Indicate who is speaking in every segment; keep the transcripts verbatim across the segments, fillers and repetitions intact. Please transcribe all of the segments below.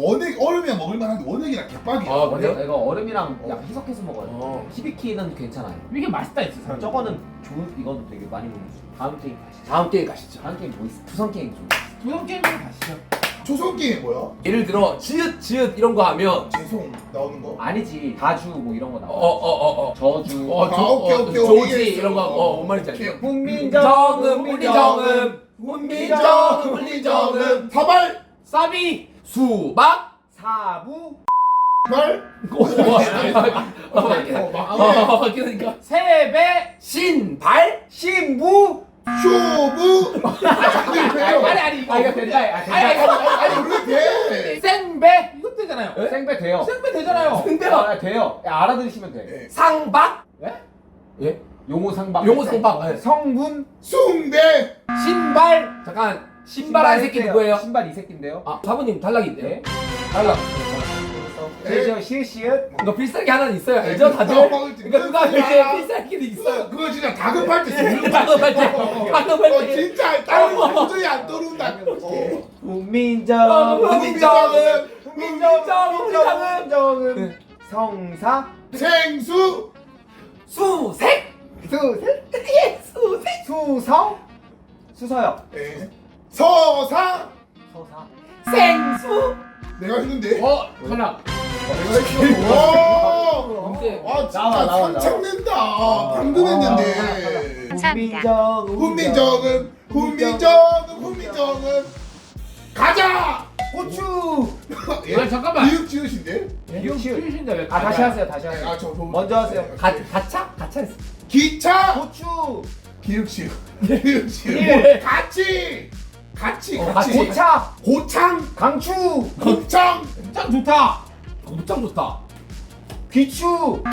Speaker 1: 원액 얼음이랑 먹을만한데 원액이랑 개빡이야.
Speaker 2: 아, 그래요?
Speaker 3: 이거 얼음이랑
Speaker 1: 어.
Speaker 3: 약 해석해서 먹어요.
Speaker 2: 어.
Speaker 3: 히비키는 괜찮아요.
Speaker 4: 이게 맛있다 했어 사람.
Speaker 3: 저거는 좋은 이건 되게 많이 먹는 거. 다음 게임 가시죠.
Speaker 2: 다음 게임 가시죠.
Speaker 3: 다음 게임 뭐 있어? 투성 게임 좀.
Speaker 4: 두성 게임으로 가시죠.
Speaker 1: 초성 게임 뭐야?
Speaker 2: 예를 들어 지읒 지읒 이런 거 하면
Speaker 1: 죄송 나오는 거?
Speaker 3: 아니지 다주 뭐 이런 거 나와.
Speaker 2: 어어어어
Speaker 3: 저주.
Speaker 2: 어,
Speaker 1: 아,
Speaker 2: 조,
Speaker 1: 오케이,
Speaker 2: 어,
Speaker 1: 오케이,
Speaker 2: 조지
Speaker 1: 오케이.
Speaker 2: 이런 거 어, 뭔 말인지
Speaker 1: 오케이.
Speaker 2: 알죠?
Speaker 3: 훈민정음
Speaker 2: 훈민정음 훈민정음 훈민정음
Speaker 1: 사발
Speaker 4: 사비
Speaker 2: 수박
Speaker 3: 사부
Speaker 1: 발
Speaker 2: 오, 어, 맞긴
Speaker 1: 어, 맞긴
Speaker 2: 해.
Speaker 1: 해.
Speaker 2: 어, 맞긴 하니까
Speaker 4: 세배
Speaker 2: 신발
Speaker 3: 신부.
Speaker 1: 쇼부
Speaker 4: 아니 아니 아니 이거
Speaker 3: 아 이거 된다. 아
Speaker 4: 아니
Speaker 3: 된다.
Speaker 4: 아니
Speaker 1: 아니 왜 돼?
Speaker 4: 생배 이거 되잖아요.
Speaker 2: 에?
Speaker 3: 생배 돼요.
Speaker 4: 생배 되잖아요.
Speaker 2: 근데요
Speaker 3: 아, 돼요. 야, 알아들으시면 돼.
Speaker 1: 네.
Speaker 2: 상박
Speaker 4: 예?
Speaker 2: 예
Speaker 3: 용호 상박.
Speaker 2: 용호 상박 예.
Speaker 3: 성분.
Speaker 1: 숭배
Speaker 4: 신발
Speaker 2: 잠깐 신발한 새끼
Speaker 3: 있어요.
Speaker 2: 누구예요?
Speaker 3: 신발 이 새끼인데요.
Speaker 2: 아 사부님 탈락인데
Speaker 3: 네.
Speaker 2: 탈락
Speaker 3: 시읒 시읒 시읒.
Speaker 2: 이거 필살기 하나는 있어요 알죠
Speaker 1: 네,
Speaker 2: 다들?
Speaker 1: 그거
Speaker 2: 그러니까 누가
Speaker 1: 그거야.
Speaker 2: 이제 필살기도 있어요
Speaker 1: 그거 그거 진짜 다급할 때 쓰는 거.
Speaker 2: 다급할 때
Speaker 1: 어,
Speaker 2: 다급할
Speaker 1: 어,
Speaker 2: 때
Speaker 1: 진짜 다른 거 도저히 안 떠오른다. 어.
Speaker 3: 훈민정.
Speaker 2: 훈민정음
Speaker 3: 훈민정.
Speaker 2: 훈민정음
Speaker 3: 훈민정음. 성사.
Speaker 1: 생수
Speaker 2: 수색
Speaker 3: 수색.
Speaker 2: 예 수색
Speaker 3: 수성. 수서역.
Speaker 1: 예. 서사
Speaker 3: 서사.
Speaker 2: 생수
Speaker 1: 내가 했는데.
Speaker 4: 어 탈락.
Speaker 1: 내가 했어. 와.
Speaker 2: 근데
Speaker 1: 아 진짜
Speaker 3: 나와, 나와,
Speaker 1: 삼창낸다. 방금 했는데.
Speaker 3: 훈민정.
Speaker 1: 훈민정음 훈민정음 훈민정음 가자.
Speaker 3: 고추.
Speaker 1: 예?
Speaker 4: 아 잠깐만.
Speaker 1: 이육 지읒인데?
Speaker 3: 이거 쉬운.
Speaker 4: 쉬우신데 왜?
Speaker 3: 아 다시 하세요. 다시 하세요.
Speaker 1: 아저
Speaker 3: 먼저 하세요.
Speaker 2: 가, 가차? 가차 했어
Speaker 1: 기차
Speaker 3: 고추.
Speaker 1: 기육 지읒 기육 지읒
Speaker 4: 예.
Speaker 1: 같이 같이
Speaker 2: 어,
Speaker 1: 같이
Speaker 3: 고차.
Speaker 1: 고창
Speaker 3: 강추.
Speaker 1: 곱창
Speaker 4: 참 좋다.
Speaker 2: 곱창 좋다
Speaker 3: 귀추.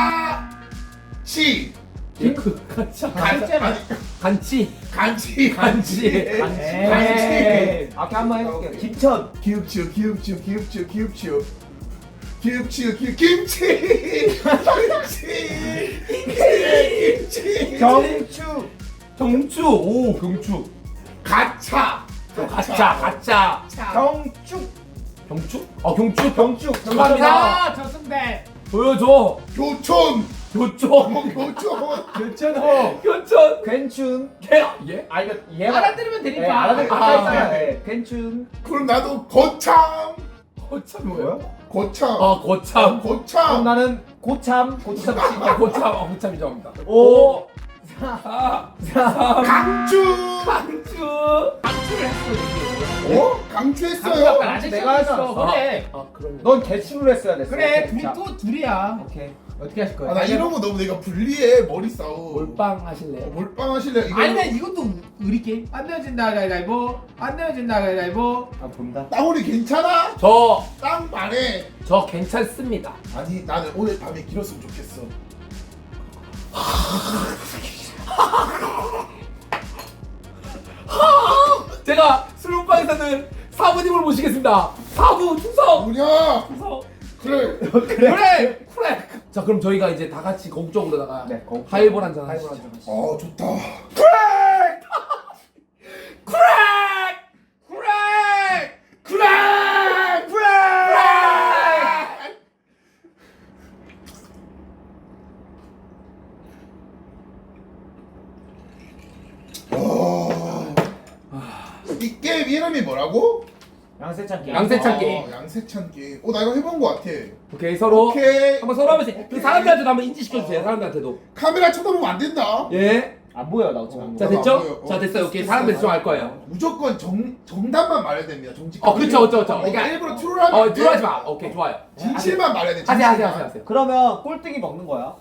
Speaker 1: 가치
Speaker 2: 예, 그 가차
Speaker 1: 가- 아니,
Speaker 2: 간치
Speaker 1: 간치
Speaker 2: 간치.
Speaker 1: 간치
Speaker 3: 에이. 아까 한번 해볼게요.
Speaker 1: 오케이.
Speaker 3: 김천.
Speaker 1: 기육 지읒 기육 지읒 기육 지읒 기육 지읒 기육 지읒 기육 김치 김치 김치
Speaker 3: 경추.
Speaker 2: 경추 오 경추
Speaker 1: 가차
Speaker 2: 가차 가차
Speaker 3: 경축.
Speaker 2: 경추? 아 경추
Speaker 3: 경축.
Speaker 2: 정답입니다
Speaker 4: 아 저승배.
Speaker 2: 보여줘
Speaker 1: 교촌
Speaker 2: 교촌
Speaker 1: 교촌
Speaker 3: 괜찮어.
Speaker 2: 교촌
Speaker 3: 괜춘.
Speaker 2: 개 예?
Speaker 3: 아 이거 얘가
Speaker 4: 알아들으면
Speaker 3: 네,
Speaker 4: 되니까.
Speaker 3: 알아들
Speaker 2: 아,
Speaker 3: 가까이 있어야
Speaker 2: 아,
Speaker 3: 돼. 괜춘.
Speaker 1: 그럼 나도 거창
Speaker 2: 고참 뭐야?
Speaker 1: 고창
Speaker 2: 아 고참
Speaker 3: 그럼
Speaker 1: 고창
Speaker 3: 나는 고참. 고참.
Speaker 2: 아 고참 아 고참 인정합니다
Speaker 3: 오.
Speaker 2: 사
Speaker 1: 강주
Speaker 2: 강추
Speaker 4: 방출을 했어 이게.
Speaker 1: 어? 강추했어요
Speaker 4: 방출 아직
Speaker 3: 내가
Speaker 4: 했어.
Speaker 3: 했어.
Speaker 4: 그래.
Speaker 2: 아 그럼
Speaker 3: 넌 개추를 했어야 됐어.
Speaker 4: 그래
Speaker 3: 오케이.
Speaker 4: 둘이
Speaker 3: 자,
Speaker 4: 또 둘이야.
Speaker 3: 오케이.
Speaker 4: 어떻게 하실 거예요?
Speaker 1: 아, 나 이런 거 너무 내가 불리해 머리 싸움
Speaker 2: 몰빵 하실래요?
Speaker 1: 몰빵 하실래? 이거
Speaker 4: 아니면 이것도 우리 게임. 안 내어진다 가위바위보. 안 내어진다 가위바위보.
Speaker 3: 아 본다.
Speaker 1: 따오리 괜찮아?
Speaker 2: 저
Speaker 1: 땅 말해
Speaker 2: 저 괜찮습니다
Speaker 1: 아니 나는 오늘 밤에 길었으면 좋겠어
Speaker 2: 제가 술문방에서는 사부님을 모시겠습니다 사부 충성
Speaker 1: 뭐냐
Speaker 2: 충성
Speaker 1: 그래
Speaker 2: 그래 그래 자 그럼 저희가 이제 다 같이 거국적으로다가
Speaker 3: 네, 거국.
Speaker 2: 하이볼 한잔
Speaker 3: 하이볼
Speaker 2: 하시죠
Speaker 3: 한잔 하시죠.
Speaker 1: 아 좋다
Speaker 2: 크랙 크랙
Speaker 1: 그래
Speaker 2: 크랙
Speaker 1: 이 게임 이름이 뭐라고?
Speaker 3: 양세찬 게임.
Speaker 2: 양세찬
Speaker 1: 아,
Speaker 2: 게임.
Speaker 1: 양세찬 게임 어 나 이거 해본 거 같아
Speaker 2: 오케이 서로
Speaker 1: 오케이
Speaker 2: 한번 서로 하면서 그 사람들한테도 한번 인지시켜주세요 사람들한테도
Speaker 1: 카메라 쳐다보면 안 된다
Speaker 2: 예.
Speaker 3: 안 보여 나 어차피 안
Speaker 2: 자
Speaker 3: 보여.
Speaker 1: 나도 안
Speaker 2: 됐죠?
Speaker 1: 보여.
Speaker 2: 자
Speaker 1: 어,
Speaker 2: 됐어요 오케이
Speaker 1: 됐어,
Speaker 2: 사람들
Speaker 1: 됐어.
Speaker 2: 집중할 거예요
Speaker 1: 무조건 정, 정답만 말해야 됩니다 정직
Speaker 2: 어 그쵸 그쵸 그쵸
Speaker 1: 어,
Speaker 2: 그러니까
Speaker 1: 일부러 트롤하면
Speaker 2: 어
Speaker 1: 안 돼.
Speaker 2: 들어가지 마 오케이 좋아요
Speaker 1: 진실만 말해야 돼
Speaker 2: 하세요
Speaker 1: 진실만.
Speaker 2: 하세요 하세요 하세요
Speaker 3: 그러면 꼴등이 먹는 거야.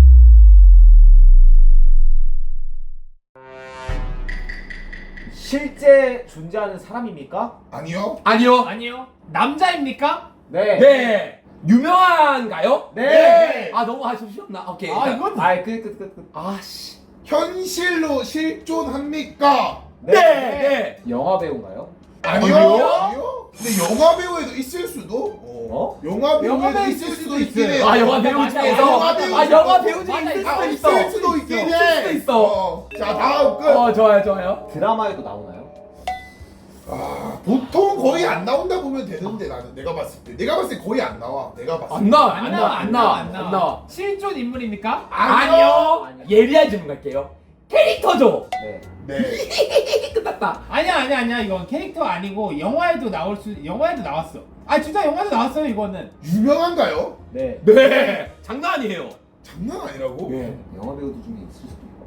Speaker 3: 실제 존재하는 사람입니까?
Speaker 1: 아니요
Speaker 2: 아니요
Speaker 4: 아니요. 남자입니까?
Speaker 3: 네.
Speaker 2: 네 유명한가요?
Speaker 3: 네.
Speaker 2: 아 너무 아쉽셨나? 오케이
Speaker 4: 아
Speaker 2: 일단.
Speaker 4: 이건
Speaker 3: 아이 끝끝 끝 끝.
Speaker 2: 아씨
Speaker 1: 현실로 실존합니까?
Speaker 2: 네 네.
Speaker 3: 영화 배우인가요?
Speaker 1: 아니요
Speaker 2: 아니요?
Speaker 1: 아니요 근데 영화 배우에도 있을 수도
Speaker 3: 어?
Speaker 1: 영화 배우에도
Speaker 4: 영화 배우
Speaker 1: 있을
Speaker 4: 있을
Speaker 1: 수도
Speaker 4: 수도
Speaker 1: 있긴
Speaker 4: 있어요.
Speaker 1: 해
Speaker 2: 아 영화 배우
Speaker 4: 맞아,
Speaker 2: 중에서
Speaker 1: 영화 배우
Speaker 2: 아 영화 배우 중에
Speaker 4: 맞아,
Speaker 2: 있을
Speaker 1: 아,
Speaker 2: 수도 있어
Speaker 1: 있을 수도 있긴
Speaker 2: 있을
Speaker 1: 해
Speaker 2: 수도 있어
Speaker 1: 어. 자 다음 끝
Speaker 2: 어 좋아요 좋아요
Speaker 3: 드라마에도 나오나요?
Speaker 1: 아 보통 거의 안 나온다 보면 되는데 나는 내가 봤을 때 내가 봤을 때 거의 안 나와. 내가 봤을 때.
Speaker 2: 안 나와 안 나와 안 나와 안 나와.
Speaker 4: 실존 인물입니까?
Speaker 2: 아니요.
Speaker 3: 아니요.
Speaker 2: 예리한 질문 갈게요. 캐릭터죠.
Speaker 3: 네.
Speaker 1: 네.
Speaker 2: 끝났다.
Speaker 4: 아니야 아니야 아니야 이건 캐릭터 아니고 영화에도 나올 수 영화에도 나왔어. 아 진짜 영화에도 나왔어요 이거는.
Speaker 1: 유명한가요?
Speaker 3: 네.
Speaker 2: 네. 장난 아니에요.
Speaker 1: 장난 아니라고?
Speaker 2: 예.
Speaker 3: 영화 배우들 중에 있을 수도 있고.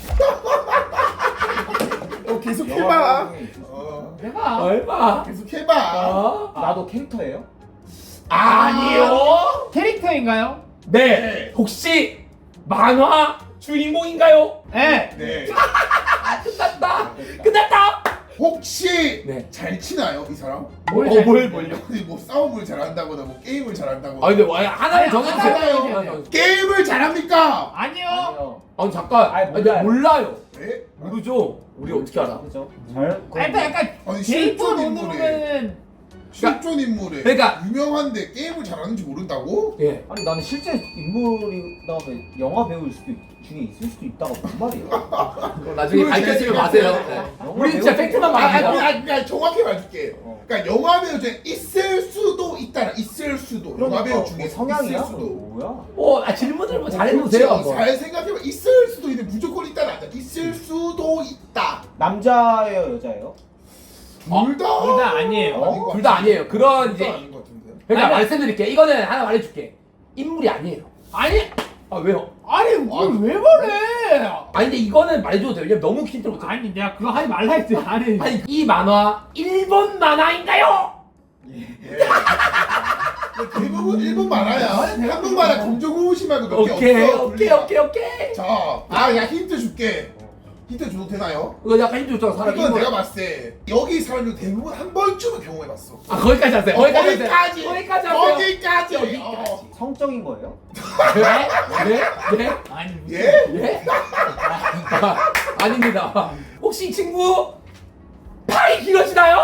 Speaker 1: 어 계속
Speaker 3: 영화
Speaker 1: 해봐.
Speaker 3: 배우 중에 있을 수도 있고.
Speaker 1: 어
Speaker 4: 내가
Speaker 2: 얼마?
Speaker 1: 계속 해봐.
Speaker 2: 어?
Speaker 3: 나도 캐릭터예요?
Speaker 2: 아니요.
Speaker 4: 캐릭터인가요?
Speaker 2: 네. 혹시 만화 주인공인가요?
Speaker 4: 네.
Speaker 1: 네.
Speaker 2: 아 끝났다. 끝났다.
Speaker 1: 혹시
Speaker 2: 네.
Speaker 1: 잘 치나요 이 사람?
Speaker 4: 뭘
Speaker 2: 어,
Speaker 4: 잘-
Speaker 2: 뭘 뭘요?
Speaker 1: 아니 뭐 싸움을 잘한다거나 뭐 게임을 잘한다거나.
Speaker 2: 아 근데 와, 하나를
Speaker 4: 아니,
Speaker 2: 정해주세요.
Speaker 1: 하나요.
Speaker 2: 하나 정해주세요.
Speaker 1: 게임을 잘합니까?
Speaker 4: 아니요.
Speaker 3: 아니요.
Speaker 2: 아니 잠깐.
Speaker 3: 아니,
Speaker 2: 아니,
Speaker 3: 몰라요.
Speaker 2: 몰라요.
Speaker 1: 네?
Speaker 2: 모르죠. 우리 어떻게 알아?
Speaker 3: 그죠? 잘.
Speaker 4: 아, 일단 약간
Speaker 1: 아니 실존
Speaker 4: 데이터론으로
Speaker 1: 인물에
Speaker 4: 보면은
Speaker 1: 실존 인물에
Speaker 2: 그러니까-
Speaker 1: 유명한데 게임을 잘하는지 모른다고?
Speaker 2: 예.
Speaker 3: 아니 나는 실제 인물이 다음에 영화 배우일 수도 있, 중에 있을 수도 있다가 무슨 말이야?
Speaker 2: 나중에
Speaker 1: 그걸
Speaker 2: 밝혀지면
Speaker 1: 제가
Speaker 2: 마세요.
Speaker 1: 생각해요.
Speaker 2: 네.
Speaker 3: 영화
Speaker 2: 우리 진짜
Speaker 3: 배우
Speaker 2: 팩트만
Speaker 1: 아, 아,
Speaker 2: 말합니다.
Speaker 1: 아, 그러니까 정확히 말해줄게.
Speaker 3: 어.
Speaker 1: 그러니까 영화 배우 중에 있을 수도 있다. 있을 수도. 영화 배우
Speaker 3: 뭐
Speaker 1: 중에
Speaker 3: 성향이야?
Speaker 1: 있을 수도.
Speaker 3: 뭐야?
Speaker 2: 어, 아, 질문을 뭐 잘해보세요.
Speaker 1: 그렇죠.
Speaker 2: 한번.
Speaker 1: 잘 생각해봐. 있을 수도 있는데 무조건 있다는 아니야. 있을 수도 있다.
Speaker 3: 남자예요, 여자예요?
Speaker 1: 둘 다.
Speaker 4: 둘 다 아니에요.
Speaker 1: 아닌 것
Speaker 2: 둘 다
Speaker 1: 같은데.
Speaker 2: 아니에요. 그런
Speaker 1: 둘다
Speaker 2: 이제-
Speaker 1: 아닌 것 같은데.
Speaker 2: 그러니까
Speaker 4: 아니,
Speaker 2: 말씀드릴게. 이거는 하나 말해줄게. 인물이 아니에요.
Speaker 4: 아니
Speaker 2: 아 왜요?
Speaker 4: 아니 뭘왜 그래?
Speaker 2: 아니 근데 이거는 말해줘도 돼요. 왜냐면 너무 힌트를 못.
Speaker 4: 아니 내가 그거 하지 말라 했지. 아니
Speaker 2: 아니 이 만화 일본 만화인가요?
Speaker 1: 예. 대부분 일본 만화야. 한국 만화 검정고무신 말고 몇 개 없어.
Speaker 2: 오케이 오케이
Speaker 1: 분리가.
Speaker 2: 오케이 오케이.
Speaker 1: 자, 아, 야 힌트 줄게. 힌트 줘도 되나요?
Speaker 2: 이거 약간 힌트 줬잖아. 사람
Speaker 1: 이건
Speaker 2: 인물.
Speaker 1: 내가 봤을 때 여기 사람들 대부분 한 번쯤은 경험해봤어.
Speaker 2: 아 거기까지 하세요.
Speaker 1: 어,
Speaker 2: 거기까지 하세요.
Speaker 1: 거기까지.
Speaker 2: 거기까지 하세요.
Speaker 1: 거기까지.
Speaker 2: 여기까지.
Speaker 1: 어.
Speaker 3: 성적인 거예요?
Speaker 2: 네? 네? 네?
Speaker 4: 아니 무슨
Speaker 1: 예?
Speaker 2: 예? 아, 아닙니다. 혹시 이 친구 팔이 길어지나요?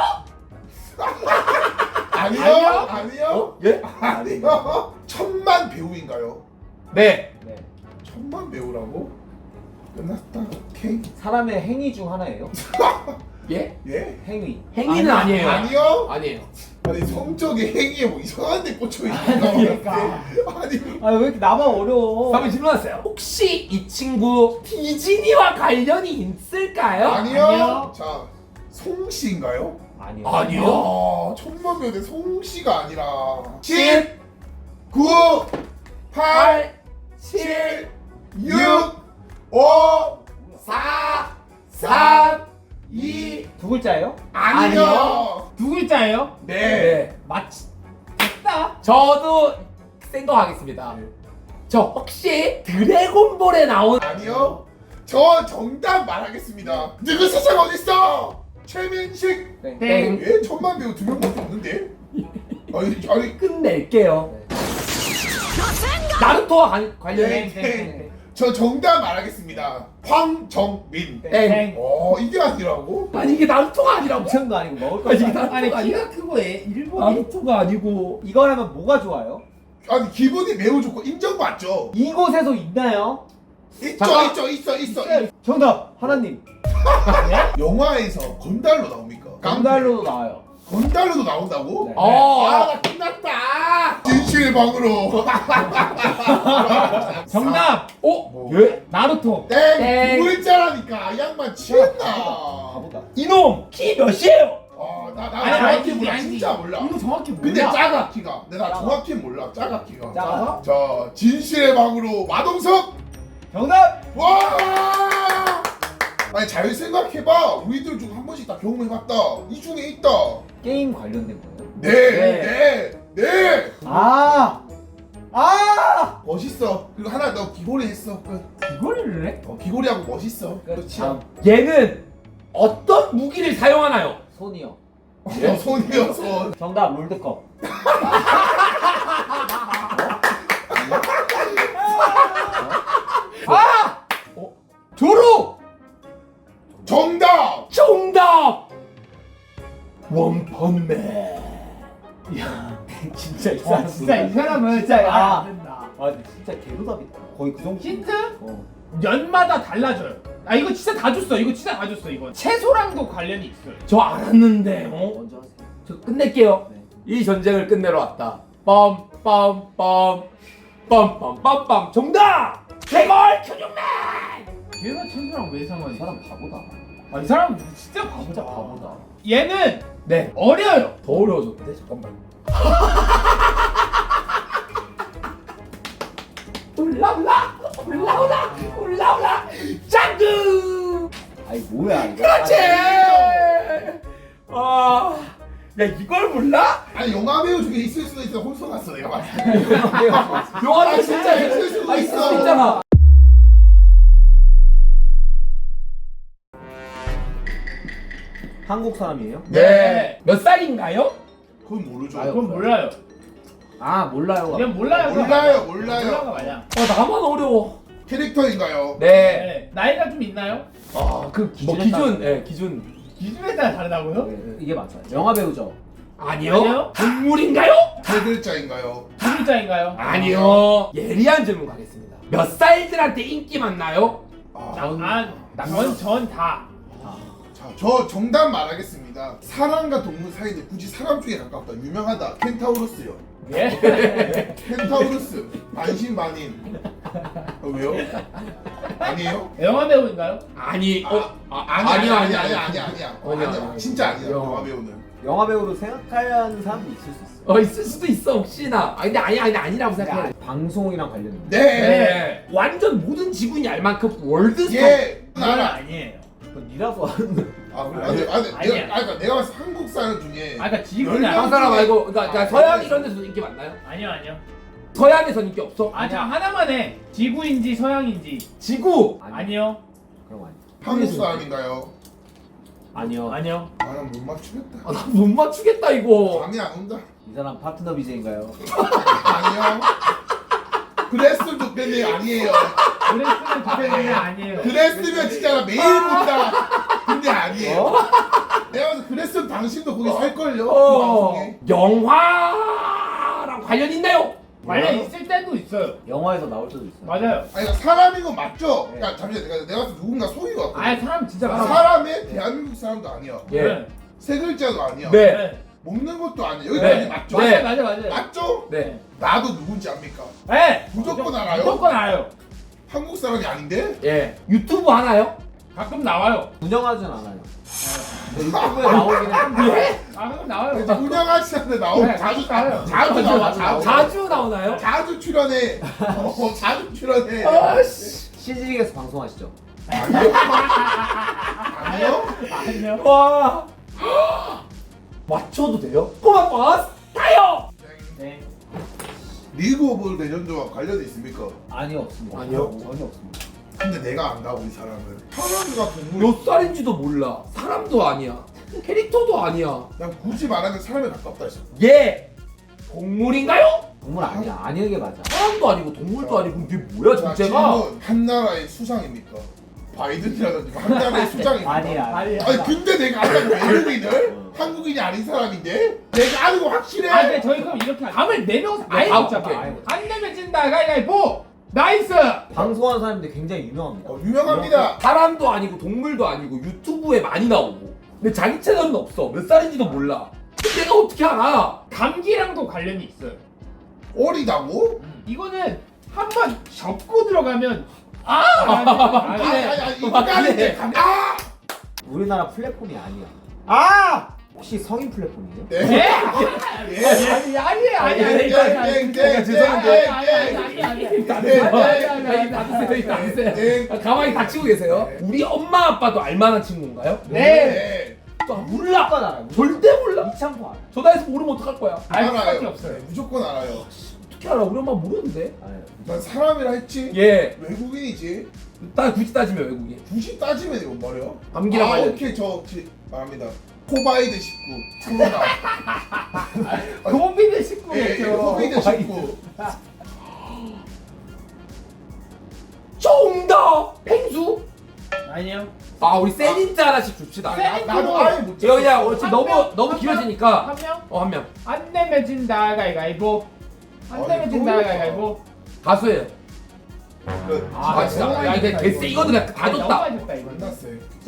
Speaker 1: 아니요.
Speaker 2: 아니요?
Speaker 1: 아니요.
Speaker 2: 어? 예?
Speaker 1: 아니요. 천만 배우인가요?
Speaker 2: 네.
Speaker 3: 네.
Speaker 1: 천만 배우라고? 끝났다. 오케이.
Speaker 3: 사람의 행위 중 하나예요?
Speaker 2: 예?
Speaker 1: 예?
Speaker 3: 행위.
Speaker 2: 행위는
Speaker 4: 아니,
Speaker 2: 아니에요.
Speaker 1: 아니요.
Speaker 2: 아니에요.
Speaker 1: 아니 성적인 행위에 뭐 이상한 데 꽂혀 있는
Speaker 4: 그러니까.
Speaker 1: 아니
Speaker 3: 아 왜 이렇게 나만 어려워?
Speaker 2: 한번 질문하세요. 혹시 이 친구 디즈니와 관련이 있을까요?
Speaker 1: 아니요.
Speaker 4: 아니요.
Speaker 1: 자, 송씨인가요?
Speaker 3: 아니요.
Speaker 2: 아니요.
Speaker 1: 아, 천만 배우인데 송씨가 아니라 십,
Speaker 2: 십,
Speaker 1: 구, 팔,
Speaker 2: 팔, 칠,
Speaker 1: 육, 오,
Speaker 2: 사, 삼, 이.
Speaker 3: 두 글자예요?
Speaker 1: 아니요.
Speaker 4: 두 글자예요?
Speaker 1: 네.
Speaker 2: 네.
Speaker 4: 맞지. 됐다.
Speaker 2: 저도 생각하겠습니다.
Speaker 1: 네.
Speaker 2: 저 혹시 드래곤볼에 나온
Speaker 1: 아니요. 저 정답 말하겠습니다. 누구 세상 어딨어? 최민식.
Speaker 3: 네.
Speaker 2: 땡.
Speaker 1: 예? 천만 배우 두 명밖에 없는데? 아니, 아니.
Speaker 2: 끝낼게요. 나루토와 관, 관련해.
Speaker 1: 네, 네. 저 정답 말하겠습니다. 황정민.
Speaker 2: 땡.
Speaker 1: 어, 이게 아니라고?
Speaker 2: 아니 이게 나루토가 아니라고.
Speaker 3: 엄청도 아니고 먹을
Speaker 2: 아니,
Speaker 3: 것도
Speaker 2: 이게
Speaker 3: 아니고.
Speaker 4: 아니
Speaker 2: 나루토가
Speaker 4: 키가
Speaker 2: 아니야.
Speaker 4: 크고 애 일본이
Speaker 2: 나루토가 아니고.
Speaker 3: 이거라면 뭐가 좋아요?
Speaker 1: 아니, 기분이 매우 좋고 인정받죠?
Speaker 3: 이곳에서 있나요?
Speaker 1: 있죠,
Speaker 2: 잠깐.
Speaker 1: 있죠, 있어, 있어.
Speaker 3: 정답 하나님.
Speaker 1: 영화에서 건달로 나옵니까?
Speaker 3: 강달로도 나와요.
Speaker 1: 건달로도 나온다고?
Speaker 3: 네.
Speaker 2: 어.
Speaker 1: 아, 나 끝났다. 진실의 방으로.
Speaker 4: 정답
Speaker 2: 어?
Speaker 1: 뭐.
Speaker 2: 예?
Speaker 4: 나루토.
Speaker 1: 땡.
Speaker 2: 땡.
Speaker 1: 두 글자라니까. 이 양반 취했나?
Speaker 3: 가보다.
Speaker 2: 이놈 키 몇이에요?
Speaker 1: 아, 나, 나
Speaker 4: 아니
Speaker 1: 정확히
Speaker 4: 아니
Speaker 1: 몰라.
Speaker 4: 아니
Speaker 1: 진짜 몰라.
Speaker 4: 이거 정확히 몰라.
Speaker 1: 근데 작아, 키가. 근데 나
Speaker 3: 작아.
Speaker 1: 정확히 몰라. 작아, 키가.
Speaker 3: 작아?
Speaker 1: 자, 진실의 방으로 마동석.
Speaker 3: 정답.
Speaker 1: 와! 아니 잘 생각해봐. 우리들 중 한 번씩 다 경험해봤다. 이 중에 있다.
Speaker 3: 게임 관련된 거예요?
Speaker 1: 네, 네, 네.
Speaker 3: 아. 아.
Speaker 1: 멋있어. 그리고 하나 너 귀걸이 했어. 끝.
Speaker 4: 이거를 해?
Speaker 1: 어, 귀걸이하고 멋있어. 그렇지.
Speaker 3: 다음.
Speaker 2: 얘는 어떤 무기를 사용하나요?
Speaker 3: 손이요.
Speaker 1: 어, 손이요, 손.
Speaker 3: 정답 롤드컵.
Speaker 2: 아! 어? 조로!
Speaker 1: 정답.
Speaker 2: 정답! 원펀맨.
Speaker 3: 진짜 이
Speaker 4: 와
Speaker 3: 사람
Speaker 4: 진짜 이 사람은
Speaker 3: 진짜,
Speaker 4: 진짜
Speaker 3: 아.
Speaker 4: 말안 된다.
Speaker 3: 아 근데 진짜 개도답이다. 거의 그 정도.
Speaker 4: 힌트?
Speaker 3: 어.
Speaker 4: 연마다 달라져요. 아 이거 진짜 다 줬어. 이거 진짜 다 줬어. 이거 채소랑도 관련이 있어요.
Speaker 2: 저 알았는데. 어?
Speaker 3: 먼저 하세요.
Speaker 2: 저 끝낼게요.
Speaker 3: 네.
Speaker 2: 이 전쟁을 끝내러 왔다. 빰빰빰 빰빰빰빰 정답! 개걸 큐닝맨!
Speaker 4: 얘가 채소랑 왜
Speaker 3: 이
Speaker 4: 상관이?
Speaker 3: 사람 바보다.
Speaker 4: 아이 사람 진짜 바보다.
Speaker 3: 진짜 바보다.
Speaker 4: 얘는
Speaker 2: 네.
Speaker 4: 어려요.
Speaker 2: 더 어려워졌는데 잠깐만. 올라올라 올라올라 올라올라 짱구.
Speaker 3: 아니 뭐야 이거.
Speaker 2: 그렇지.
Speaker 3: 아니,
Speaker 2: 아, 야 이걸 몰라?
Speaker 1: 아니 영화 배우 중에 있을 수도 있어. 홀수 났어 내가 봤을 때.
Speaker 2: 영화도
Speaker 1: 아,
Speaker 2: 진짜
Speaker 1: 있을 수도
Speaker 2: 아, 있을
Speaker 1: 있어.
Speaker 2: 수 있잖아.
Speaker 3: 한국 사람이에요?
Speaker 2: 네. 몇 살인가요?
Speaker 1: 그건 모르죠.
Speaker 3: 아유.
Speaker 4: 그건 몰라요.
Speaker 3: 아 몰라요.
Speaker 4: 그냥 몰라요. 그거
Speaker 1: 몰라요,
Speaker 4: 맞아.
Speaker 1: 몰라요.
Speaker 4: 몰라가 맞아.
Speaker 2: 어 나만 어려워.
Speaker 1: 캐릭터인가요?
Speaker 2: 네.
Speaker 4: 네. 나이가 좀 있나요?
Speaker 2: 아그 뭐
Speaker 3: 기준에
Speaker 2: 기준,
Speaker 3: 따라서.
Speaker 2: 예 기준.
Speaker 4: 기준에 따라 다르다고요?
Speaker 3: 네, 이게 맞아요. 영화 배우죠.
Speaker 2: 아니요.
Speaker 4: 아니요?
Speaker 2: 동물인가요?
Speaker 1: 세 글자인가요?
Speaker 4: 두 글자인가요?
Speaker 2: 아니요. 예리한 질문 가겠습니다. 몇 살들한테 인기 많나요?
Speaker 1: 아,
Speaker 4: 아, 전, 전 다.
Speaker 1: 자, 저 정답 말하겠습니다. 사람과 동물 사이인데 굳이 사람 쪽에 가깝다. 유명하다. 켄타우로스요.
Speaker 4: 예?
Speaker 1: 켄타우로스. 반신반인. 어, 왜요? 아니에요?
Speaker 4: 영화 배우인가요?
Speaker 2: 아니,
Speaker 1: 아,
Speaker 2: 어, 아,
Speaker 1: 아니,
Speaker 2: 아니요,
Speaker 1: 아니,
Speaker 2: 아니요,
Speaker 1: 아니, 아니, 아니야.
Speaker 2: 아니야,
Speaker 1: 아니야.
Speaker 2: 아니야.
Speaker 1: 진짜 아니야.
Speaker 2: 영화.
Speaker 1: 영화 배우는.
Speaker 3: 영화 배우로 생각해야 하는 사람도 있을 수 있어.
Speaker 2: 어 있을 수도 있어 혹시나. 아 근데 아니 아니 아니라고 생각해.
Speaker 3: 방송이랑 관련 있는.
Speaker 1: 네.
Speaker 2: 네. 완전 모든 지구인이 알 만큼 월드스타.
Speaker 1: 예.
Speaker 4: 그건
Speaker 1: 알아.
Speaker 4: 아니에요.
Speaker 3: 거. 니라고 하는 거.
Speaker 1: 아, 그래. 아니, 아니,
Speaker 4: 아니야.
Speaker 1: 내가, 아니, 그러니까 내가 봤을 때 한국 사람 중에
Speaker 4: 아, 그러니까 지구는
Speaker 1: 열 명
Speaker 4: 아니-
Speaker 2: 한 사람 말고, 그러니까, 그러니까
Speaker 1: 아,
Speaker 2: 서양
Speaker 1: 네.
Speaker 2: 이런 데서도 인기 많나요?
Speaker 4: 아니요, 아니요.
Speaker 2: 서양에선 인기 없어?
Speaker 4: 아, 저 하나만 해. 지구인지 서양인지.
Speaker 2: 지구.
Speaker 3: 아니,
Speaker 4: 아니요.
Speaker 3: 그럼 아니.
Speaker 1: 한국 사람인가요?
Speaker 3: 아니요.
Speaker 4: 아니요.
Speaker 1: 아, 난 못 맞추겠다.
Speaker 2: 아, 나 못 맞추겠다 이거.
Speaker 1: 감이 안 온다.
Speaker 3: 이 사람 파트너 비제인가요?
Speaker 1: 아니요. 그랬으면 좋겠네. 아니에요.
Speaker 4: 그랬으면 좋겠는데 아니에요.
Speaker 1: 그랬으면 진짜 나 매일 본다. 근데 아니에요.
Speaker 3: 어?
Speaker 1: 내가 봐서 그랬으면 당신도 거기 살걸요. 그
Speaker 2: 어.
Speaker 1: 방송에.
Speaker 2: 영화랑 관련 있나요?
Speaker 4: 관련 있을 때도 있어요.
Speaker 3: 영화에서 나올 때도 있어요.
Speaker 4: 맞아요.
Speaker 1: 아니 그러니까 사람인 건 맞죠?
Speaker 3: 네.
Speaker 1: 야 잠시만 내가 내가 봤을 때 누군가 속인 것 같아.
Speaker 4: 아, 사람 진짜 많아.
Speaker 1: 사람의 대한민국 사람도 아니야.
Speaker 2: 예.
Speaker 4: 네.
Speaker 1: 세 글자도 아니야.
Speaker 2: 네.
Speaker 4: 네.
Speaker 1: 먹는 것도 아니야. 여기까지
Speaker 2: 네.
Speaker 1: 맞죠?
Speaker 2: 네.
Speaker 4: 맞아, 맞아, 맞아.
Speaker 1: 맞죠?
Speaker 2: 네.
Speaker 1: 나도 누군지 압니까?
Speaker 4: 네.
Speaker 1: 무조건 알아요?
Speaker 4: 무조건 알아요.
Speaker 1: 한국 사람이 아닌데?
Speaker 2: 예. 유튜브 하나요?
Speaker 4: 가끔 나와요.
Speaker 3: 운영하진 않아요. 근데 유튜브에 나오기는 한데
Speaker 2: 예?
Speaker 4: 아, 가끔 나와요.
Speaker 1: 운영하지 않는데 나오고
Speaker 4: 네,
Speaker 1: 자주
Speaker 4: 나와요.
Speaker 1: 자주 나와. 자주
Speaker 2: 자주 나오나요?
Speaker 1: 자주 출연해. 어, 자주 출연해.
Speaker 2: 아씨.
Speaker 3: 씨지직에서 방송하시죠?
Speaker 1: 아니요? 아니요?
Speaker 4: 아니요.
Speaker 2: 와. 맞춰도 돼요? 꼬마 버스타요.
Speaker 4: 네.
Speaker 1: 리그 오브 레전드와 관련이 있습니까?
Speaker 3: 아니요 없습니다.
Speaker 2: 아니요?
Speaker 3: 전혀 없습니다.
Speaker 1: 근데 내가 안다 우리 사람을. 사람과 동물.
Speaker 2: 몇 살인지도 몰라. 사람도 아니야. 캐릭터도 아니야.
Speaker 1: 난 굳이 말하면 사람에 가깝다 했어.
Speaker 2: 얘 동물인가요?
Speaker 3: 동물 아니야. 아니는 게 맞아.
Speaker 2: 사람도 아니고 동물도 아니고 이게 뭐야
Speaker 1: 자,
Speaker 2: 정체가?
Speaker 1: 질문. 한 나라의 수상입니까? 바이든이라든지 한 나라의 수장입니까?
Speaker 3: 아니야.
Speaker 4: 아니야.
Speaker 1: 아니 근데 내가 아는 외국인을
Speaker 3: 어.
Speaker 1: 한국인이 아닌 사람인데 내가 아는 거 확실해.
Speaker 4: 아, 근데 저희 그럼 이렇게 하죠. 감을 네 명서 아예
Speaker 2: 네,
Speaker 4: 못 잡아.
Speaker 2: 오케이.
Speaker 4: 안 내면 진다. 가위가위보. 나이스.
Speaker 3: 방송하는 사람인데 굉장히 유명합니다.
Speaker 1: 어, 유명합니다.
Speaker 2: 사람도 아니고 동물도 아니고 유튜브에 많이 나오고 근데 자기 채널은 없어. 몇 살인지도 몰라. 근데 내가 어떻게 알아?
Speaker 4: 감기랑도 관련이 있어요.
Speaker 1: 어리다고?
Speaker 4: 이거는 한번 접고 들어가면 아!
Speaker 1: 아니
Speaker 4: 아,
Speaker 1: 아니 아니 인간인데 감- 아!
Speaker 3: 우리나라 플랫폼이 아니야. 아! 혹시 성인 플랫폼이에요?
Speaker 1: 네.
Speaker 4: 네?
Speaker 1: 예.
Speaker 4: 아니, 아니, 아니, 아니, 아니,
Speaker 1: 땡,
Speaker 4: 아니,
Speaker 1: 땡, 땡,
Speaker 4: 아니,
Speaker 1: 죄송한데.
Speaker 4: 아니, 아니, 아니, 아니, 아니.
Speaker 2: 다
Speaker 1: 네,
Speaker 2: 드세요.
Speaker 1: 네,
Speaker 2: 다
Speaker 4: 네,
Speaker 2: 드세요. 다 드세요.
Speaker 1: 네.
Speaker 2: 아, 가만히 닥치고 계세요.
Speaker 1: 네.
Speaker 2: 우리 엄마 아빠도 알만한 친구인가요?
Speaker 4: 네.
Speaker 1: 네.
Speaker 2: 또 몰라.
Speaker 3: 무조건 알아요.
Speaker 2: 절대 몰라.
Speaker 3: 이창포 알아요.
Speaker 2: 전화해서 모르면 어떡할 거야?
Speaker 4: 알 수밖에
Speaker 1: 알아요.
Speaker 4: 없어요.
Speaker 1: 네, 무조건 알아요.
Speaker 2: 어떻게 알아? 우리 엄마 모르는데.
Speaker 3: 알아요.
Speaker 1: 난 사람이라 했지.
Speaker 2: 예.
Speaker 1: 외국인이지.
Speaker 2: 나 굳이 따지면 외국인.
Speaker 1: 굳이 따지면 이거 뭐래요?
Speaker 2: 감기랑
Speaker 1: 아,
Speaker 2: 관련.
Speaker 1: 오케이 저 지- 말합니다. 코바이드 십구 코로나.
Speaker 4: 코비드
Speaker 1: 예, 예,
Speaker 4: 십구겠죠.
Speaker 1: 코바이드 십구.
Speaker 2: 정답. 펭수.
Speaker 4: 아니요.
Speaker 2: 아 우리 세닌자 하나씩 줍시다.
Speaker 4: 세-
Speaker 1: 나, 나도 아예 못
Speaker 2: 이거 그냥
Speaker 1: 찾겠어.
Speaker 2: 어차피
Speaker 4: 한
Speaker 2: 너무
Speaker 4: 명?
Speaker 2: 너무
Speaker 4: 한
Speaker 2: 길어지니까
Speaker 4: 한 명?
Speaker 2: 어 한 명.
Speaker 4: 안 내면 진다. 가위가위보. 안
Speaker 1: 아니,
Speaker 4: 내면 진다.
Speaker 1: 또
Speaker 4: 가위가위보.
Speaker 2: 가수예요.
Speaker 1: 그,
Speaker 2: 아 진짜. 야 이게 됐어. 이거는 그냥 다 줬다.
Speaker 4: 너무 많이 줬다 이거.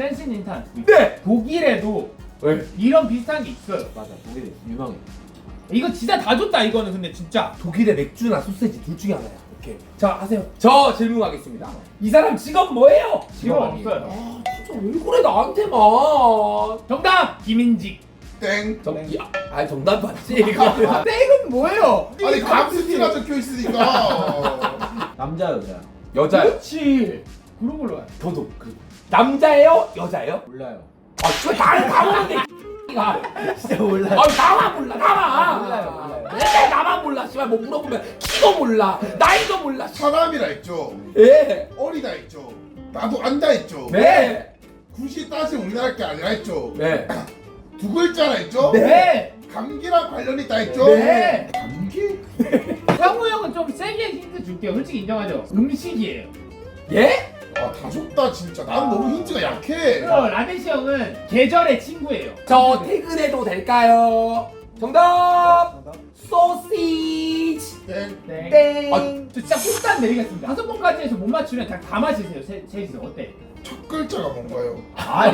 Speaker 4: 센신 인탄.
Speaker 2: 네.
Speaker 4: 독일에도
Speaker 2: 네.
Speaker 4: 이런 비슷한 게 있어요.
Speaker 3: 맞아, 독일이 유명해.
Speaker 4: 이거 진짜 다 줬다 이거는 근데 진짜.
Speaker 2: 독일의 맥주나 소세지 둘 중에 하나야. 오케이. 자 하세요. 저 질문하겠습니다. 이 사람 직업 뭐예요?
Speaker 4: 직업
Speaker 3: 아니에요.
Speaker 4: 없어요.
Speaker 2: 아 진짜 왜 그래 나한테만.
Speaker 4: 정답 김인직.
Speaker 1: 땡.
Speaker 2: 정, 이, 아, 아니 정답 맞지 이거.
Speaker 4: 땡은 뭐예요?
Speaker 1: 아니 감스티가 적혀 있으니까.
Speaker 3: 남자, 여자.
Speaker 2: 여자요.
Speaker 4: 그렇지. 그런 걸로 가요.
Speaker 2: 저도 그 남자예요? 여자예요?
Speaker 3: 몰라요.
Speaker 2: 아 진짜 나를 다 모르는데 이가.
Speaker 3: 진짜 몰라요.
Speaker 2: 아 나만 몰라 나만.
Speaker 3: 몰라요, 몰라요.
Speaker 2: 왜 나만 몰라 씨발 뭐 물어보면 키도 몰라 나이도 몰라. 씨.
Speaker 1: 사람이라 했죠.
Speaker 2: 예.
Speaker 1: 어리다 했죠. 나도 안다 했죠.
Speaker 2: 네.
Speaker 1: 굳이 따지면 우리나라 게 아니라 했죠.
Speaker 2: 네.
Speaker 1: 두 글자라 했죠.
Speaker 2: 네.
Speaker 1: 감기랑 관련이 있다 했죠.
Speaker 2: 네.
Speaker 1: 감기?
Speaker 4: 상우 형은 좀 세게 힌트 줄게요. 솔직히 인정하죠. 음식이에요.
Speaker 2: 예?
Speaker 1: 아 다 줬다 진짜. 난 너무 힌트가 약해.
Speaker 4: 그리고 라데시 형은 계절의 친구예요.
Speaker 2: 저 퇴근해도 될까요? 정답.
Speaker 3: 정답.
Speaker 2: 소시지.
Speaker 1: 땡.
Speaker 4: 네.
Speaker 3: 땡.
Speaker 2: 아,
Speaker 4: 저 진짜 꿀단 내리겠습니다. 다섯 번까지 해서 못 맞추면 다, 다 마시세요. 세, 셋이서 어때?
Speaker 1: 첫 글자가 뭔가요?
Speaker 4: 아니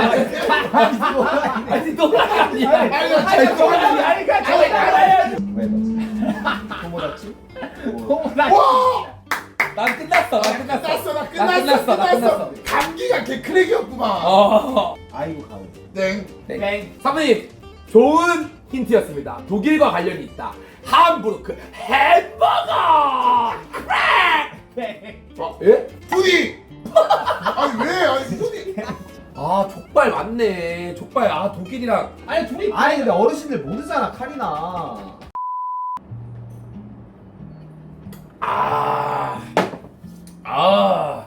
Speaker 2: 아니 노랑이 아니야.
Speaker 1: 아니,
Speaker 4: 아니
Speaker 1: 아니,
Speaker 4: 정답이 아니까 정답은
Speaker 3: 왜 넣었지? 토모다치? 뭐.
Speaker 4: 호모다.
Speaker 1: 와!
Speaker 2: 난 끝났어. 난 끝났어.
Speaker 1: 끝났어 나
Speaker 2: 나
Speaker 1: 끝났어
Speaker 2: 끝났어. 나
Speaker 1: 끝났어.
Speaker 2: 끝났어.
Speaker 1: 감기가 개크랙이었구만.
Speaker 2: 어.
Speaker 3: 아이고, 가을.
Speaker 1: 땡.
Speaker 4: 땡.
Speaker 2: 사모님 좋은 힌트였습니다. 독일과 관련이 있다. 함부르크 햄버거. 크랙.
Speaker 4: 땡.
Speaker 2: 어, 예?
Speaker 1: 푸디. 아니 왜? 아니 푸디.
Speaker 2: 아 족발 맞네. 족발 아 독일이랑
Speaker 4: 아니 둘이
Speaker 3: 아니, 근데 어르신들 모르잖아, 칼이나.
Speaker 2: 아. 아.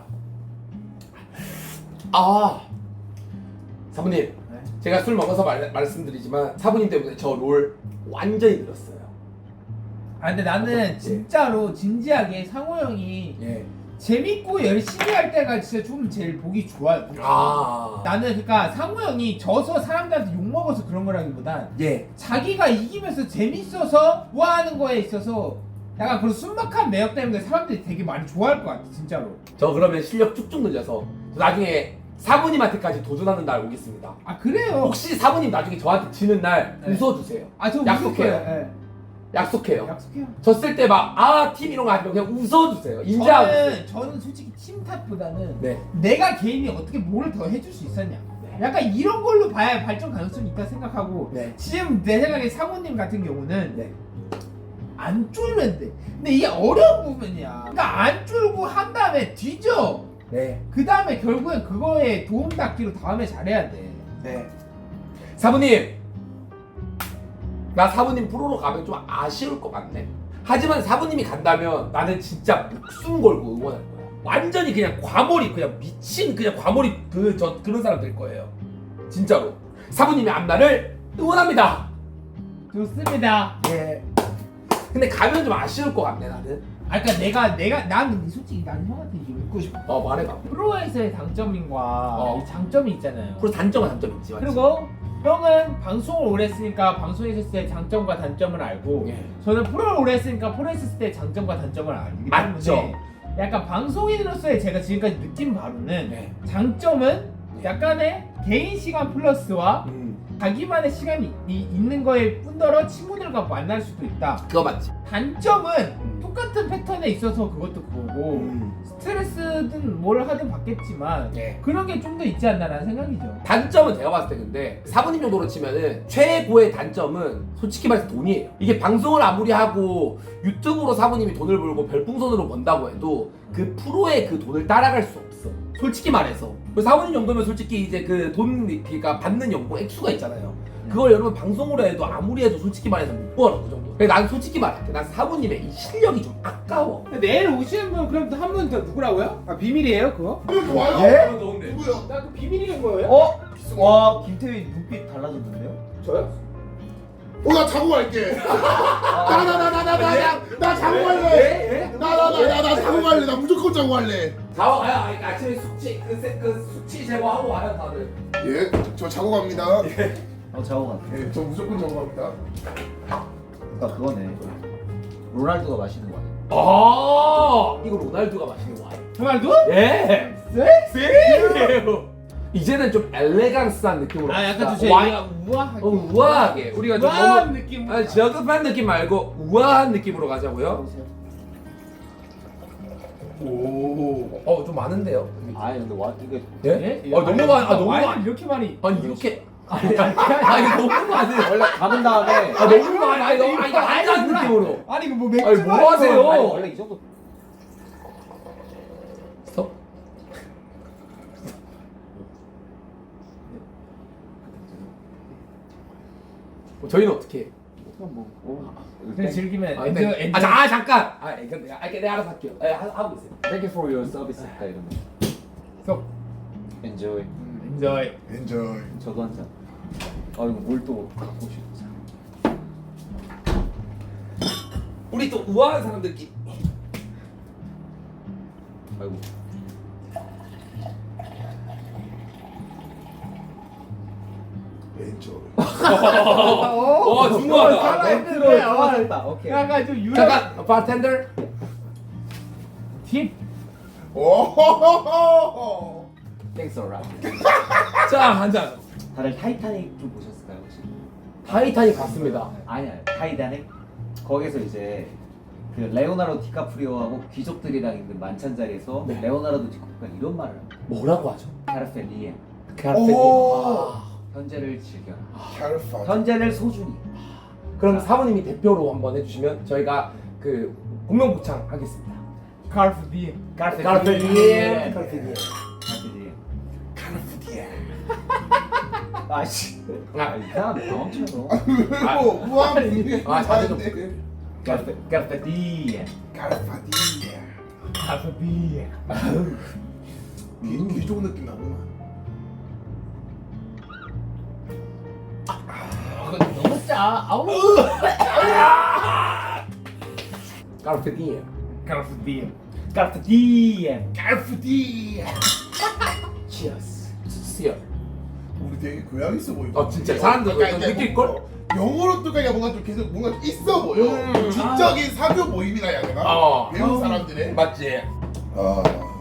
Speaker 2: 아. 사부님,
Speaker 3: 네?
Speaker 2: 제가 술 먹어서 말, 말씀드리지만 사부님 때문에 저 롤 완전히 늘었어요.
Speaker 4: 아 근데 나는 진짜로 진지하게 상호 형이
Speaker 2: 예.
Speaker 4: 재밌고 열심히 할 때가 진짜 좀 제일 보기 좋아요.
Speaker 2: 아.
Speaker 4: 나는 그러니까 상호 형이 져서 사람들한테 욕 먹어서 그런 거라기보단
Speaker 2: 예.
Speaker 4: 자기가 이기면서 재밌어서 좋아하는 거에 있어서 약간 그런 순박한 매력 때문에 사람들이 되게 많이 좋아할 것 같아 진짜로.
Speaker 2: 저 그러면 실력 쭉쭉 늘려서 저 나중에 사부님한테까지 도전하는 날 오겠습니다.
Speaker 4: 아 그래요?
Speaker 2: 혹시 사부님 나중에 저한테 지는 날
Speaker 4: 네.
Speaker 2: 웃어주세요.
Speaker 4: 아저
Speaker 2: 약속해요. 약속해요.
Speaker 4: 약속해요.
Speaker 2: 졌을 때 막 아 팀 이런 거 하지 말고 그냥 웃어주세요. 인정하고.
Speaker 4: 저는 저는 솔직히 팀 탓보다는
Speaker 2: 네.
Speaker 4: 내가 개인이 어떻게 뭘 더 해줄 수 있었냐. 약간 이런 걸로 봐야 발전 가능성이 있다 생각하고
Speaker 2: 네.
Speaker 4: 지금 내 생각에 상호님 같은 경우는
Speaker 2: 네.
Speaker 4: 안 쫄면 돼. 근데 이게 어려운 부분이야. 그러니까 안 쫄고 한 다음에 뒤져.
Speaker 2: 네.
Speaker 4: 그 다음에 결국엔 그거에 도움 닫기로 다음에 잘해야 돼.
Speaker 2: 네. 사부님, 나 사부님 프로로 가면 좀 아쉬울 것 같네. 하지만 사부님이 간다면 나는 진짜 목숨 걸고 응원할 거야. 완전히 그냥 과몰입, 그냥 미친 그냥 과몰입 그 저 그런 사람 될 거예요. 진짜로. 사부님의 앞날을 응원합니다.
Speaker 4: 좋습니다.
Speaker 2: 예. 근데 가면 좀 아쉬울 것 같네 나는.
Speaker 4: 아 그러니까 내가 내가 나는 솔직히 나는 형한테 이거 묻고 싶어.
Speaker 2: 어 말해봐.
Speaker 4: 프로에서의 장점인과
Speaker 2: 어.
Speaker 4: 이 장점이 있잖아요.
Speaker 2: 프로 단점은 단점 있지. 맞지?
Speaker 4: 그리고 형은 방송을 오래 했으니까 방송에 있을 때 장점과 단점을 알고
Speaker 2: 예.
Speaker 4: 저는 프로를 오래 했으니까 프로에 있을 때 장점과 단점을 알기
Speaker 2: 맞죠.
Speaker 4: 때문에 약간 방송인으로서의 제가 지금까지 느낀 바로는
Speaker 2: 네.
Speaker 4: 장점은 약간의 개인 시간 플러스와
Speaker 2: 음.
Speaker 4: 자기만의 시간이 이- 있는 거에 뿐더러 친구들과 만날 수도 있다.
Speaker 2: 그거 맞지.
Speaker 4: 단점은
Speaker 2: 음.
Speaker 4: 똑같은 패턴에 있어서 그것도 그거고
Speaker 2: 음.
Speaker 4: 스트레스든 뭘 하든 받겠지만
Speaker 2: 예.
Speaker 4: 그런 게 좀 더 있지 않나라는 생각이죠.
Speaker 2: 단점은 제가 봤을 때 근데 사부님 정도로 치면은 최고의 단점은 솔직히 말해서 돈이에요. 이게 방송을 아무리 하고 유튜브로 사부님이 돈을 벌고 별풍선으로 번다고 해도 그 프로의 그 돈을 따라갈 수 없어. 솔직히 말해서. 그 사부님 정도면 솔직히 이제 그 돈 그러니까 받는 연봉 액수가 있잖아요. 그걸 여러분 방송으로 해도 아무리 해도 솔직히 말해서 못 벌어 그 정도. 그래서 난 솔직히 말할게. 난 사부님의 이 실력이 좀 아까워.
Speaker 4: 내일 오시는 분 그럼 한 분 더 누구라고요? 아 비밀이에요 그거?
Speaker 1: 그래 좋아요.
Speaker 3: 예?
Speaker 1: 누구야?
Speaker 4: 나 그 비밀인 거예요?
Speaker 3: 어? 와, 김태희 눈빛 달라졌는데요?
Speaker 2: 저요?
Speaker 1: 어나 자고 갈게. 나 나 나 나 나 나 나 자고 갈래.
Speaker 2: 예?
Speaker 1: 나 나 나 나 나 자고 갈래. 나 무조건 자고 갈래.
Speaker 2: 자고 가요. 아니, 아침에 숙취 그, 세- 그 숙취 제거하고 와요 다들.
Speaker 1: 예, 저 자고 갑니다.
Speaker 3: 어, 자고 가.
Speaker 1: 예, 저 무조건 자고 갑니다.
Speaker 3: 그러니까 그거네. 로날두가 마시는 거 아니야?
Speaker 2: 아 이거 로날두가 마시는 와인.
Speaker 4: 정말도?
Speaker 2: 예.
Speaker 4: 네?
Speaker 2: 쎄요. 이제는 좀 엘레강스한 느낌으로
Speaker 4: 아 약간
Speaker 2: 갑시다.
Speaker 4: 좀
Speaker 2: 와-
Speaker 4: 제가 우아하게
Speaker 2: 어, 우아하게 우리가 좀
Speaker 4: 우아한
Speaker 2: 너무
Speaker 4: 느낌.
Speaker 2: 아니, 저급한 느낌 말고 우아한 느낌으로 가자고요.
Speaker 1: 오.
Speaker 2: 어 좀 많은데요.
Speaker 3: 아니 근데 와 이게
Speaker 2: 예?
Speaker 4: 예?
Speaker 2: 아 너무 많아. 아 너무
Speaker 4: 와인을
Speaker 2: 많아.
Speaker 4: 이렇게 많이.
Speaker 2: 아니 이렇게 아니 아니 너무 많아.
Speaker 3: 원래 감은 다음에
Speaker 2: 아 너무 많아. 아니 너무 아니 이거
Speaker 4: 아니,
Speaker 2: 한잔
Speaker 4: 몰라.
Speaker 2: 느낌으로.
Speaker 4: 아니 이거 뭐 맥주
Speaker 2: 아니, 뭐
Speaker 4: 마시고
Speaker 2: 하세요?
Speaker 3: 아니 원래 이 정도
Speaker 2: 스톱. 어, 저희는 어떻게 해?
Speaker 3: 뭐 어,
Speaker 4: 그냥 즐기면
Speaker 2: 아,
Speaker 4: 엔저
Speaker 2: 근데,
Speaker 4: 엔저.
Speaker 2: 아, 자, 아 잠깐. 아, 이거 내가, 아, 내가 알아서 할게요. 예, 하- 하고 있어요.
Speaker 3: Thank you for your service 딱 이러면
Speaker 4: 속.
Speaker 3: Enjoy.
Speaker 4: 음, 엔저이.
Speaker 1: 엔조이.
Speaker 3: 저도 한 잔. 아 이거 뭘 또 갖고 싶지?
Speaker 2: 우리 또 우아한 사람들끼리.
Speaker 3: 아이고.
Speaker 1: 엔조이.
Speaker 2: 어, 중요하다.
Speaker 4: 살아있는데, 어.
Speaker 3: 들어왔다. 오케이.
Speaker 4: 약간 좀 유럽.
Speaker 2: 잠깐, 바텐더.
Speaker 4: 팁.
Speaker 1: 오.
Speaker 2: Thanks a lot. 자, 한 잔.
Speaker 3: 다들 타이타닉 좀 보셨을까요 혹시?
Speaker 2: 타이타닉 봤습니다.
Speaker 3: 아니야 타이타닉 거기서 이제 그 레오나르도 디카프리오하고 귀족들이랑 있는 만찬 자리에서
Speaker 2: 네.
Speaker 3: 레오나르도 디카프리오가 이런 말을 합니다.
Speaker 2: 뭐라고 하죠?
Speaker 3: 카르페
Speaker 2: 카르페
Speaker 1: 오.
Speaker 2: 아,
Speaker 3: 현재를 즐겨라.
Speaker 1: 캘파.
Speaker 3: 현재를 소중히.
Speaker 2: 그럼 사부님이 대표로 한번 해주시면 저희가 그 공명복창 하겠습니다.
Speaker 4: 카르프 디엠.
Speaker 3: 카르페
Speaker 2: 카르페 디엠.
Speaker 3: 디엠.
Speaker 2: 카르페 디엠.
Speaker 3: 카르페 디엠.
Speaker 1: 카르푸디에.
Speaker 3: 아씨.
Speaker 2: 아,
Speaker 3: 이 사람 경험처럼.
Speaker 1: 그리고 무한
Speaker 2: 아, 자세 좀.
Speaker 3: 카르페 카르페 디엠.
Speaker 1: 카르파디에.
Speaker 4: 카르프 디엠.
Speaker 1: 귀 귀족 느낌 나구나.
Speaker 4: 이거 너무 짜. 아우.
Speaker 2: 카르페 디엠.
Speaker 4: 카르프 디엠.
Speaker 3: 카르페 디엠.
Speaker 1: 카르푸디에.
Speaker 2: 치어스. 치어.
Speaker 1: 우리 되게 교양 있어 보이고.
Speaker 2: 어, 진짜 사람들
Speaker 1: 약간
Speaker 2: 그거
Speaker 1: 이제
Speaker 2: 느낄걸?
Speaker 1: 뭐 영어로 뜨니까 뭔가 좀 계속 뭔가 좀 있어 보여.
Speaker 2: 음.
Speaker 1: 지적인 사교 모임이라 해야 되나?
Speaker 2: 어.
Speaker 1: 배운 사람들의.
Speaker 2: 맞지?
Speaker 1: 아.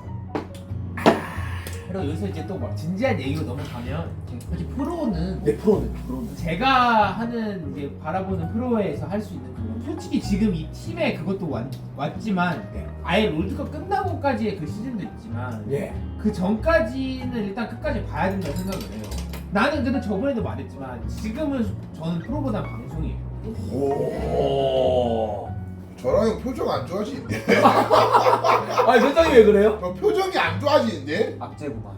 Speaker 4: 그리고 여기서 이제 또 막 진지한 얘기로 넘어가면 솔직히 프로는
Speaker 2: 내 프로는 프로는.
Speaker 4: 제가 하는 이제 바라보는 프로에서 할 수 있는 그건 솔직히 지금 이 팀에 그것도 왔, 왔지만
Speaker 2: 네.
Speaker 4: 아예 롤드컵 끝나고까지의 그 시즌도 있지만
Speaker 2: 예.
Speaker 4: 그 전까지는 일단 끝까지 봐야 된다고 생각을 해요. 나는 근데 저번에도 말했지만 지금은 저는 프로보다 방송이에요.
Speaker 1: 오.
Speaker 2: 오.
Speaker 1: 저랑 형 표정 안 좋아지는데?
Speaker 2: 아, 선장님 왜 그래요?
Speaker 1: 너 표정이 안 좋아지는데?
Speaker 3: 악재구만.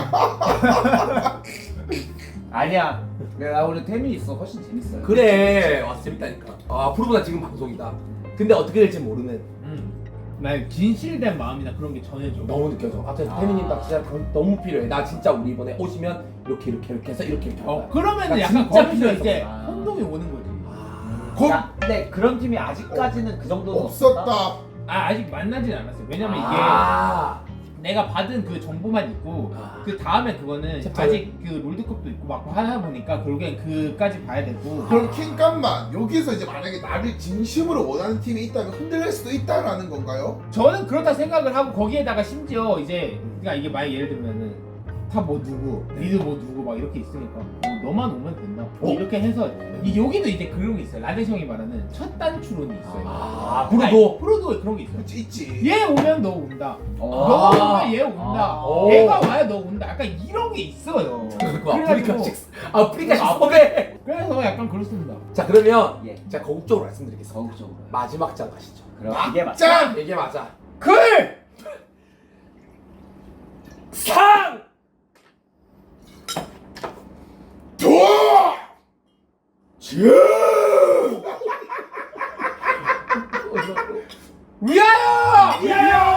Speaker 3: 아니야. 나 오늘 태민이 있어 훨씬 재밌어요.
Speaker 2: 그래. 와, 재밌다니까. 아, 프로보다 지금 방송이다. 근데 어떻게 될지 모르는.
Speaker 4: 음. 나 진실된 마음이나 그런 게 전해져.
Speaker 2: 너무 느껴져. 아,
Speaker 3: 아.
Speaker 2: 태민님 나 진짜 당- 너무 필요해. 나 진짜 우리 이번에 오시면 이렇게 이렇게 이렇게 해서 이렇게 이렇게 할
Speaker 4: 어
Speaker 2: 거야.
Speaker 4: 그러면
Speaker 2: 나
Speaker 4: 약간
Speaker 2: 진짜
Speaker 4: 거기서 이제
Speaker 2: 필요했었구나.
Speaker 4: 혼동이 오는 거지.
Speaker 2: 아.
Speaker 1: 거-
Speaker 3: 야, 근데 그런 팀이 아직까지는 그 정도는
Speaker 1: 없었다.
Speaker 4: 아 아직 만나진 않았어요. 왜냐면 이게
Speaker 2: 아.
Speaker 4: 내가 받은 그 정보만 있고
Speaker 2: 아.
Speaker 4: 그 다음에 그거는
Speaker 2: 챕터.
Speaker 4: 아직 그 롤드컵도 있고 막 하다 보니까 결국엔 그까지 봐야 되고
Speaker 1: 그럼 킹감만 여기서 이제 만약에 나를 진심으로 원하는 팀이 있다면 흔들릴 수도 있다라는 건가요?
Speaker 4: 저는 그렇다 생각을 하고 거기에다가 심지어 이제 그러니까 이게 만약 예를 들면은 다 뭐 누구 니드 뭐 누구 막 이렇게 있으니까 뭐 너만 오면 된다 뭐
Speaker 2: 어.
Speaker 4: 이렇게 해서 이 여기도 이제 그런 게 있어요. 라데시 형이 말하는 첫 단추론이 있어요.
Speaker 2: 아,
Speaker 4: 그러니까
Speaker 2: 프로도?
Speaker 4: 프로도 그런 게 있어요.
Speaker 1: 그치 있지.
Speaker 4: 얘 오면 너 온다.
Speaker 3: 어.
Speaker 4: 너 오면 얘 온다.
Speaker 3: 아.
Speaker 4: 얘가 와야 너 온다. 약간 이런 게 있어요.
Speaker 2: 그거
Speaker 4: 그래가지고-
Speaker 2: 아프리카식 아프리카식 섭외.
Speaker 4: 그래서 약간 그렇습니다.
Speaker 2: 자, 그러면
Speaker 3: 예.
Speaker 2: 제가 거국적으로 말씀드리겠습니다.
Speaker 3: 거국적으로.
Speaker 2: 마지막 장 가시죠.
Speaker 3: 그럼 이게 맞.
Speaker 1: 짠!
Speaker 2: 이게 맞아.
Speaker 4: 글!
Speaker 2: 상!
Speaker 1: 도! 주!
Speaker 4: 위하여!
Speaker 2: 위하여!